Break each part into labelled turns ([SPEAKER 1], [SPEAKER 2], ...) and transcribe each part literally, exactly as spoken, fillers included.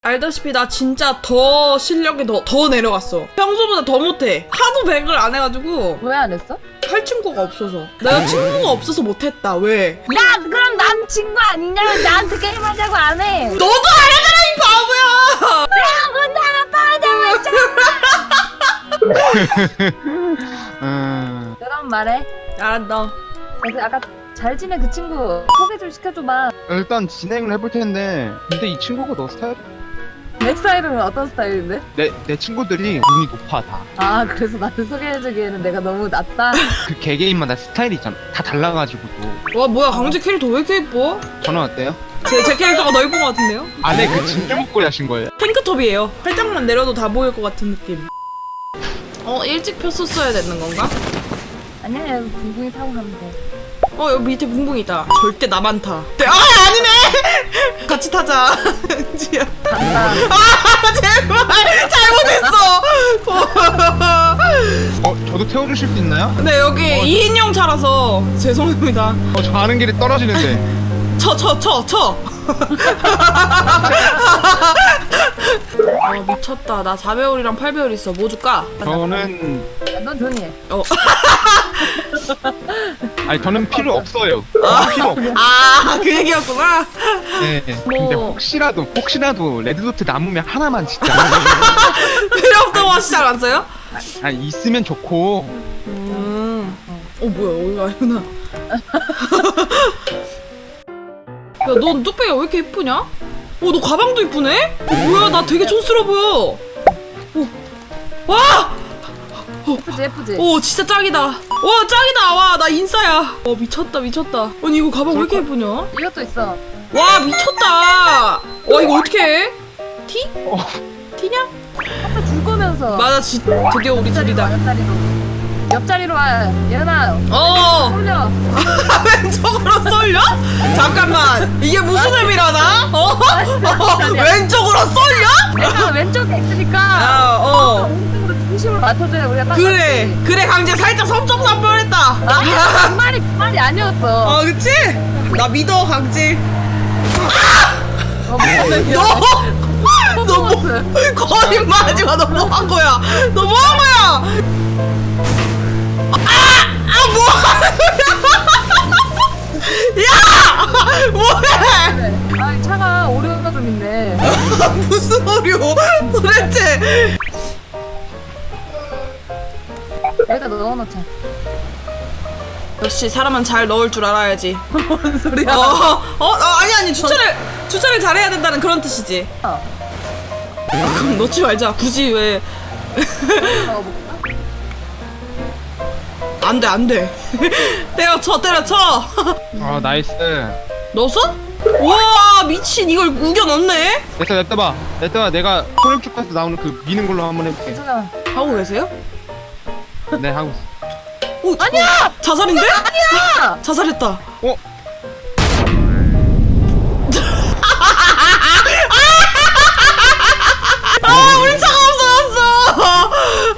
[SPEAKER 1] 알다시피 나 진짜 더 실력이 더, 더 내려갔어. 평소보다 더 못해. 하도 백을 안 해가지고.
[SPEAKER 2] 왜 안 했어?
[SPEAKER 1] 할 친구가 없어서. 내가 친구가 없어서 못했다. 왜?
[SPEAKER 2] 야 그럼 난 친구 아니냐? 나한테 게임하자고 안 해.
[SPEAKER 1] 너도 안 하잖아 이 바보야.
[SPEAKER 2] 내가 먼저 하나 빠져.
[SPEAKER 3] 음...
[SPEAKER 2] 그럼 말해.
[SPEAKER 1] 알았다.
[SPEAKER 2] 그래서 아까 잘 지낸 그 친구 소개 좀 시켜줘봐.
[SPEAKER 3] 일단 진행을 해볼 텐데 근데 이 친구가 너 스타일?
[SPEAKER 2] 내 스타일은 어떤 스타일인데?
[SPEAKER 3] 내, 내 친구들이 눈이 높아 다.
[SPEAKER 2] 아 그래서 나를 소개해주기에는 내가 너무 낮다.
[SPEAKER 3] 그 개개인마다 스타일이 있잖아. 다 달라가지고 또.
[SPEAKER 1] 와 뭐야 강제 캐릭터 왜 이렇게 예뻐?
[SPEAKER 3] 저는 어때요?
[SPEAKER 1] 제, 제 캐릭터가 더 예쁜 것 같은데요?
[SPEAKER 3] 안에 그 진주 목걸이 하신 거예요?
[SPEAKER 1] 탱크톱이에요. 팔짱만 내려도 다 보일 것 같은 느낌. 어 일찍 폈었어야 되는 건가?
[SPEAKER 2] 아니야 붕붕이 타고 가면 돼.
[SPEAKER 1] 어 여기 밑에 붕붕 있다. 절대 나만 타. 네, 아 아니네. 같이 타자. 은지야.
[SPEAKER 2] 간다.
[SPEAKER 1] 아 제발 잘못했어.
[SPEAKER 3] 어? 저도 태워주실 수 있나요?
[SPEAKER 1] 네 여기
[SPEAKER 3] 어,
[SPEAKER 1] 이 인용 차라서 죄송합니다.
[SPEAKER 3] 어, 저 가는 길에 떨어지는데.
[SPEAKER 1] 쳐 쳐 쳐 쳐. 아 미쳤다. 나 사 배율이랑 팔 배율 있어. 뭐 줄까?
[SPEAKER 3] 저는
[SPEAKER 2] 야, 넌 조용히 해.
[SPEAKER 1] 어.
[SPEAKER 3] 아니 저는 필요 없어요.
[SPEAKER 1] 아.
[SPEAKER 3] 필요 없어.
[SPEAKER 1] 아 그 얘기였구나.
[SPEAKER 3] 네. 근데 혹시라도 혹시라도 레드도트 남으면 하나만 진짜.
[SPEAKER 1] 필요 없다고 하시지 않았어요?
[SPEAKER 3] 아니 있으면 좋고.
[SPEAKER 1] 음. 어 뭐야 여기가 아니구나. 야 넌 뚝배기가 왜 이렇게 예쁘냐? 어 너 가방도 예쁘네? 어, 뭐야 나 되게 촌스러워 보여. 어. 와!
[SPEAKER 2] 예쁘지 예쁘지?
[SPEAKER 1] 오 진짜 짱이다. 와 짱이다. 와 나 인싸야. 어 미쳤다 미쳤다. 아니 이거 가방 왜 이렇게 예쁘냐?
[SPEAKER 2] 이것도 있어.
[SPEAKER 1] 와 미쳤다. 와 이거 어떻게 해? 티?
[SPEAKER 3] 어.
[SPEAKER 1] 티냐?
[SPEAKER 2] 아까 줄 거면서.
[SPEAKER 1] 맞아 지, 드디어 우리 둘이다.
[SPEAKER 2] 옆자리로. 옆자리로 와. 예은아.
[SPEAKER 1] 어
[SPEAKER 2] 올려.
[SPEAKER 1] 왼쪽으로 쏠려? 잠깐만 이게 무슨 의미라나? 어? 어? 왼쪽으로 쏠려?
[SPEAKER 2] 내가 왼쪽에 있으니까.
[SPEAKER 1] 아, 어.
[SPEAKER 2] 오른쪽으로 중심을 맞춰줘야 우리가 딱
[SPEAKER 1] 그래
[SPEAKER 2] 맞지.
[SPEAKER 1] 그래 강제 살짝 섬점삼 뻔했다.
[SPEAKER 2] 아니야 그 말이 그 말이 아니었어.
[SPEAKER 1] 어 그치? 나 믿어 강제.
[SPEAKER 2] 어, 미안해,
[SPEAKER 1] 너!
[SPEAKER 2] 미안해.
[SPEAKER 1] 너 뭐, 거짓말하지 마. 너 뭐 한 거야? 너 뭐 한 거야? 아! 아, 뭐 하는 거야? 야! 뭐해?
[SPEAKER 2] 아 차가 오류가 좀 있네.
[SPEAKER 1] 무슨 오류? 도대체.
[SPEAKER 2] 여기다 넣어놓자.
[SPEAKER 1] 역시 사람은 잘 넣을 줄 알아야지.
[SPEAKER 2] 뭔 소리야?
[SPEAKER 1] 어, 어, 어 아니 아니 주차를 주차를 잘해야 된다는 그런 뜻이지.
[SPEAKER 2] 어.
[SPEAKER 1] 아, 그럼 넣지 말자. 굳이 왜?
[SPEAKER 2] 넣어볼까?
[SPEAKER 1] 안돼 안돼. 때려쳐 때려쳐.
[SPEAKER 3] 아 나이스.
[SPEAKER 1] 넣었어? 와 미친 이걸 우겨 넣네?
[SPEAKER 3] 됐어 냅둬봐. 냅둬봐. 내가 소림축가에서 나오는 그 미는 걸로 한번 해볼게.
[SPEAKER 2] 괜찮아.
[SPEAKER 1] 하고 계세요?
[SPEAKER 3] 네 하고 있어.
[SPEAKER 1] 오,
[SPEAKER 2] 아니야!
[SPEAKER 1] 자살인데?
[SPEAKER 2] 아니야!
[SPEAKER 1] 자살했다.
[SPEAKER 3] 어?
[SPEAKER 1] 아 우리 차가 없어졌어.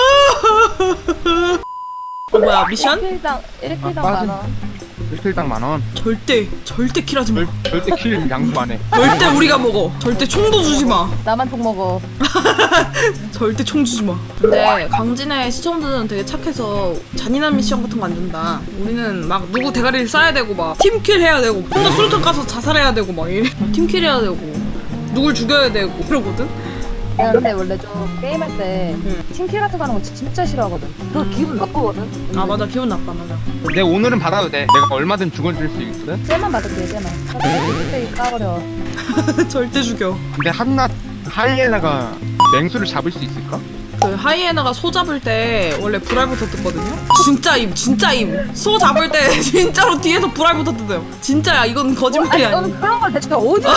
[SPEAKER 1] 어 뭐야 미션?
[SPEAKER 2] 일 킬당 일 킬당
[SPEAKER 3] 아,
[SPEAKER 2] 만 원.
[SPEAKER 3] 일 킬당 만 원.
[SPEAKER 1] 절대 절대 킬하지 마.
[SPEAKER 3] 절, 절대 킬 양보 안 해.
[SPEAKER 1] 절대 우리가 먹어. 절대 총도 주지 마.
[SPEAKER 2] 나만 총 먹어.
[SPEAKER 1] 절대 총 주지 마. 근데 강진의 시청자들은 되게 착해서 잔인한 미션 같은 거 안 준다. 우리는 막 누구 대가리를 쏴야 되고 막 팀킬 해야 되고 혼자 수류탄 가서 자살해야 되고 막 이래. 팀킬 해야 되고 누굴 죽여야 되고 이러거든.
[SPEAKER 2] 내가 근데 원래 좀 게임할 때
[SPEAKER 1] 응.
[SPEAKER 2] 팀킬 같은 거 하는 거 진짜 싫어하거든. 그거 기분 나쁘거든.
[SPEAKER 1] 아 맞아 기분 나빠 맞아.
[SPEAKER 3] 내 오늘은 받아도 돼. 내가 얼마든 죽어줄 수 있거든.
[SPEAKER 2] 쟤만 받을게 쟤만. 이 까버려.
[SPEAKER 1] 절대 죽여.
[SPEAKER 3] 근데 한낱 하이에나가 맹수를 잡을 수 있을까?
[SPEAKER 1] 그 하이에나가 소 잡을 때 원래 불알부터 뜯거든요? 진짜임 진짜임. 소 잡을 때 진짜로 뒤에서 불알부터 뜯어요. 진짜야 이건 거짓말이
[SPEAKER 2] 아니
[SPEAKER 1] 아니야.
[SPEAKER 2] 너는 그런 걸 대체 어디서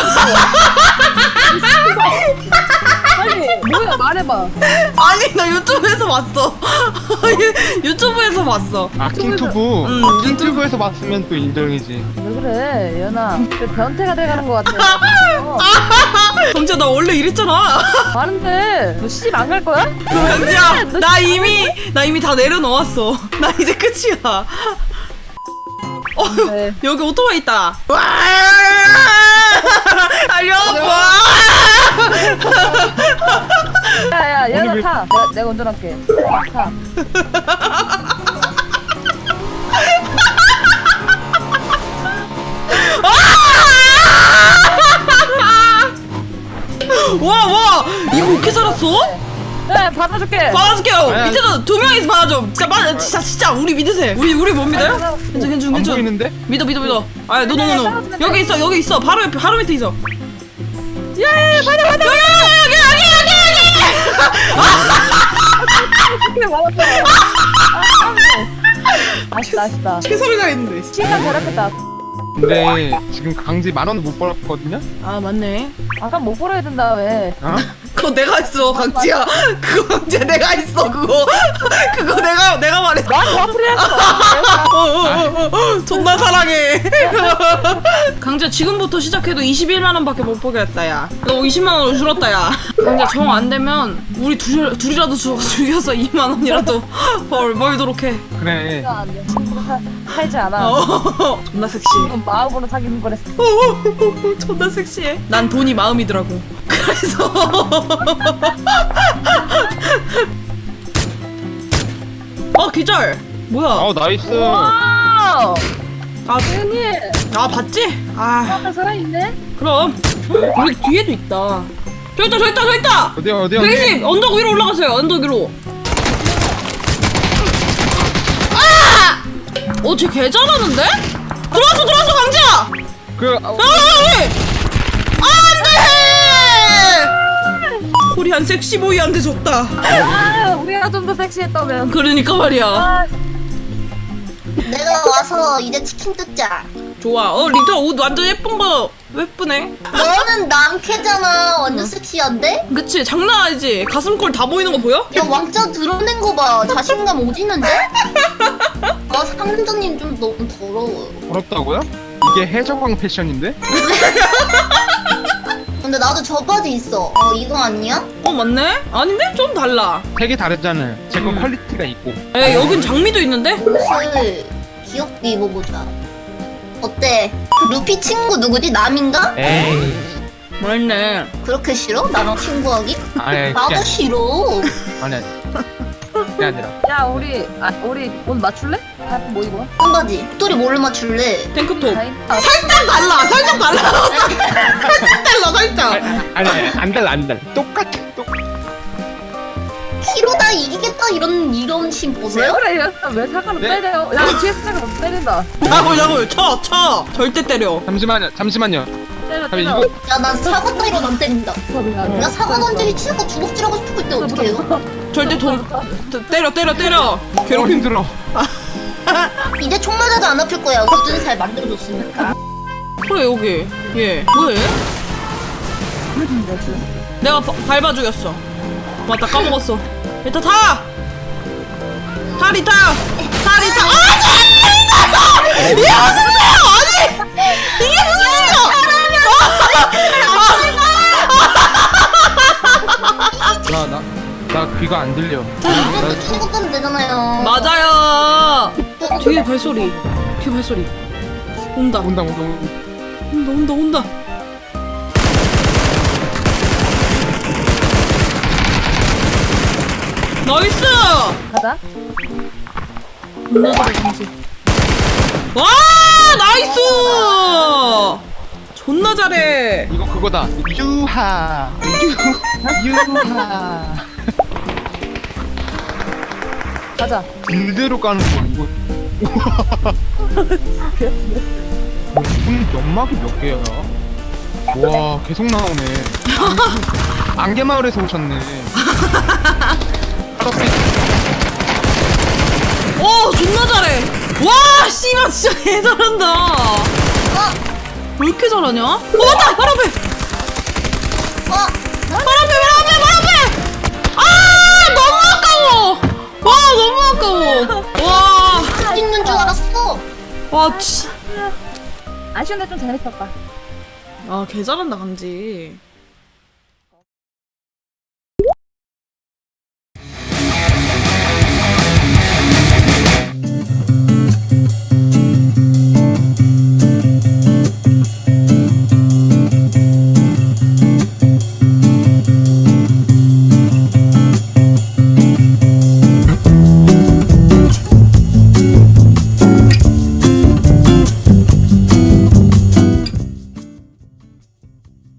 [SPEAKER 2] 아니 뭐야 말해봐.
[SPEAKER 1] 아니 나 유튜브에서 봤어. 유튜브에서 봤어.
[SPEAKER 3] 아 킹튜브.
[SPEAKER 1] 응,
[SPEAKER 3] 어, 킹튜브에서 봤으면 또 인정이지.
[SPEAKER 2] 왜 그래 연아. 그 변태가 돼가는 것 같아. 어.
[SPEAKER 1] 경지야 나 원래 이랬잖아.
[SPEAKER 2] 많은데 너 시집 안 갈 거야?
[SPEAKER 1] 경지야 나 이미 나 이미 다 내려놓았어. 나 이제 끝이야. 어
[SPEAKER 2] 네.
[SPEAKER 1] 여기 오토바이 있다. 와 달려봐.
[SPEAKER 2] 야야 얘가
[SPEAKER 3] 왜-
[SPEAKER 2] 타. 내가, 내가 운전할게. 타.
[SPEAKER 1] 와, 와, 이거 어떻게 살았어?
[SPEAKER 2] 네 받아줄게.
[SPEAKER 1] 받아줄게요.
[SPEAKER 3] 아니,
[SPEAKER 1] 밑에서 두 명이서 받아줘. 진짜, 마, 진짜, 진짜, 우리 믿으세요. 우리, 우리 못 믿어요? 괜찮, 괜찮,
[SPEAKER 3] 안
[SPEAKER 1] 괜찮.
[SPEAKER 3] 보이는데?
[SPEAKER 1] 믿어, 믿어, 믿어. 아, 노, 노, 노, 노.
[SPEAKER 2] 떨어지면 돼.
[SPEAKER 1] 여기 있어, 여기 있어. 바로 옆에, 바로 밑에 있어. 야, 야, 야, 받아, 받아. 여기, 여기, 여기, 여기, 여기.
[SPEAKER 2] 이렇게 받았어. 아쉽다 아쉽다.
[SPEAKER 1] 최선을 다했는데.
[SPEAKER 2] 시간 잘했겠다.
[SPEAKER 3] 근데 지금 강지 만 원도 못 벌었거든요?
[SPEAKER 1] 아, 맞네.
[SPEAKER 2] 아까 못 벌어야 된다 왜?
[SPEAKER 3] 어?
[SPEAKER 1] 그거 내가 했어, 강지야. 그거 강지야, 내가 했어, 그거. 그거 내가, 내가 말했어.
[SPEAKER 2] 난 와플이었어.
[SPEAKER 1] 어, 어, 어, 어, 존나 사랑해. 강지야, 지금부터 시작해도 이십일만 원밖에 못 벌겠다, 야. 너 이십만 원을 줄었다, 야. 강지야, 정 안 되면 우리 둘, 둘이라도 죽, 죽여서 이만 원이라도 벌, 벌도록 해.
[SPEAKER 3] 그래.
[SPEAKER 2] 안 돼. 친구로 사, 살지 않아.
[SPEAKER 1] 어, 존나 섹시해.
[SPEAKER 2] 이건 마음으로 사귀는 거랬어.
[SPEAKER 1] 어, 어, 어, 존나 섹시해. 난 돈이 마음이더라고. 그래서. 어, 기절. 뭐야?
[SPEAKER 3] 어 나이스.
[SPEAKER 2] 와!
[SPEAKER 1] 아,
[SPEAKER 2] 언니,
[SPEAKER 1] 아, 봤지? 아,
[SPEAKER 2] 아까 살아있네?
[SPEAKER 1] 그럼. 우리 뒤에도 있다. 저 있다, 저 있다, 저 있다!
[SPEAKER 3] 어디 어디 어디?
[SPEAKER 1] 백이십! 언덕 위로 올라가세요, 언덕 위로. 아! 어, 쟤 개 잘하는데? 들어왔어, 들어왔어, 강지야!
[SPEAKER 3] 그
[SPEAKER 1] 아, 왜? 안 돼! 코리안 섹시보이한테 졌다.
[SPEAKER 2] 아, 우리가 좀 더 섹시했다면.
[SPEAKER 1] 그러니까 말이야.
[SPEAKER 2] 아,
[SPEAKER 4] 내가 와서 이제 치킨 뜯자.
[SPEAKER 1] 좋아. 어, 리터 옷 완전 예쁜 거 예쁘네.
[SPEAKER 4] 너는 남캐잖아. 완전 섹시한데?
[SPEAKER 1] 그치? 장난 아니지? 가슴골 다 보이는 거 보여?
[SPEAKER 4] 야 왕자 드러낸 거 봐. 자신감 오지는데? 아 상점장님 좀 너무 더러워요.
[SPEAKER 3] 부럽다고요? 이게 해적왕 패션인데?
[SPEAKER 4] 근데 나도 저 바지 있어. 어 이거 아니야?
[SPEAKER 1] 어, 맞네? 아닌데? 좀 달라.
[SPEAKER 3] 되게 다르잖아요. 제 거
[SPEAKER 1] 음.
[SPEAKER 3] 퀄리티가 있고.
[SPEAKER 1] 에, 여긴 장미도 있는데?
[SPEAKER 4] 옷을 귀엽게 입어보자. 어때? 그 루피 친구 누구지? 남인가?
[SPEAKER 3] 에이.
[SPEAKER 1] 맛있네.
[SPEAKER 4] 그렇게 싫어? 나랑 친구하기?
[SPEAKER 3] 아니
[SPEAKER 4] 나도
[SPEAKER 3] 그게
[SPEAKER 4] 싫어.
[SPEAKER 3] 아니 아니. 그게 아니라.
[SPEAKER 2] 야, 우리, 아, 우리 옷 맞출래? 다 뭐 입어?
[SPEAKER 4] 한 바지. 똘이 뭘로 맞출래?
[SPEAKER 1] 탱크톱.
[SPEAKER 2] 다행. 아,
[SPEAKER 1] 살짝 달라! 살짝 달라! 살짝 달라, 살짝!
[SPEAKER 3] 아니 아니 안 달라 안 달라. 똑같아 똑.
[SPEAKER 4] 키로 다 이기겠다 이런 이런 심
[SPEAKER 2] 왜
[SPEAKER 4] 보세요?
[SPEAKER 2] 그래? 얘, 왜 사과를
[SPEAKER 3] 네?
[SPEAKER 2] 때려? 야, 뒤에서 사과 때린다.
[SPEAKER 1] 야구, 야구, 쳐, 쳐! 절대 때려.
[SPEAKER 3] 잠시만요 잠시만요.
[SPEAKER 2] 때려,
[SPEAKER 3] 아니
[SPEAKER 2] 때려.
[SPEAKER 3] 이거
[SPEAKER 4] 야 난 사과 따위로 안 때린다.
[SPEAKER 2] 야,
[SPEAKER 4] 야 사과 던지기 치고 주먹질하고 싶을 때 어떻게 해요?
[SPEAKER 1] 절대 돈, 때- 때려, 때려, 때려!
[SPEAKER 3] 괴롭
[SPEAKER 1] 괴롭힘.
[SPEAKER 3] 힘들어.
[SPEAKER 4] 이제 총 맞아도 안 아플 거야. 굳은 살 만들어줬으니까.
[SPEAKER 1] 그래, 여기. 얘. 뭐해? 내가 바, 밟아 죽였어. 맞다, 까먹었어. 일단 타! 타, 리타! 타, 리타! 아니! 리타! 이게 무슨 소리야! 아니! 이게 무슨 소리야!
[SPEAKER 3] 나 나 나 귀가 안 들려.
[SPEAKER 4] 이것도 치고 가면 되잖아요.
[SPEAKER 1] 맞아요! 뒤에 발소리. 뒤에 발소리. 온다.
[SPEAKER 3] 온다 온다 온다.
[SPEAKER 1] 온다, 온다, 온다. 나이스!
[SPEAKER 2] 가자.
[SPEAKER 1] 존나 잘해, 강지. 와! 나이스! 존나 잘해.
[SPEAKER 3] 이거 그거다. 유하. 유 유하.
[SPEAKER 2] 가자.
[SPEAKER 3] 길대로 까는 거 이거. 무슨 연막이 몇 개야? 와 계속 나오네. 안개마을에서 오셨네.
[SPEAKER 1] 오, 존나 잘해. 와, 씨발, 진짜 개 잘한다. 왜 이렇게 잘하냐? 어, 맞다! 바로 앞에!
[SPEAKER 4] 어?
[SPEAKER 1] 바로 앞에, 바로 앞에, 바로 앞에! 아, 너무 아까워! 와, 너무 아까워. 와,
[SPEAKER 4] 있는 줄 알았어.
[SPEAKER 1] 와, 치.
[SPEAKER 2] 아쉬운데 좀 재밌었다.
[SPEAKER 1] 아, 개 잘한다, 강지.